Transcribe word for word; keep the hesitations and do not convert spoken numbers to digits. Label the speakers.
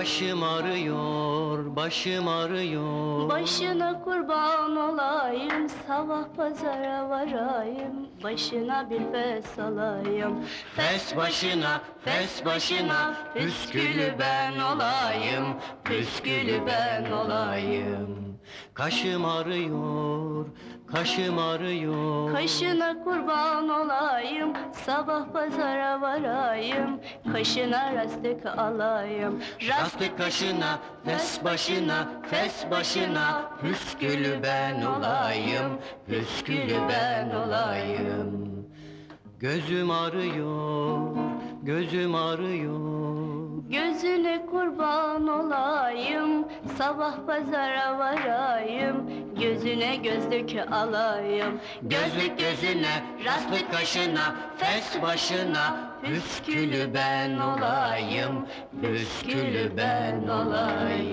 Speaker 1: Başım ağrıyor, başım ağrıyor.
Speaker 2: Başına kurban olayım, sabah pazara varayım, başına bir fes alayım.
Speaker 1: Fes başına, fes başına, püskülü ben olayım, püskülü ben olayım. Kaşım ağrıyor, kaşım ağrıyor.
Speaker 2: Kaşına kurban olayım, sabah pazara varayım, kaşına rastık alayım.
Speaker 1: Rastık kaşına, fes başına, fes başına, püskülü ben olayım, püskülü ben olayım. Gözüm ağrıyor, gözüm ağrıyor.
Speaker 2: Gözüne kurban olayım, sabah pazara varayım, gözüne gözlük alayım.
Speaker 1: Gözlük gözüne, rastlık kaşına, fes başına, püskülü ben olayım, püskülü ben olayım.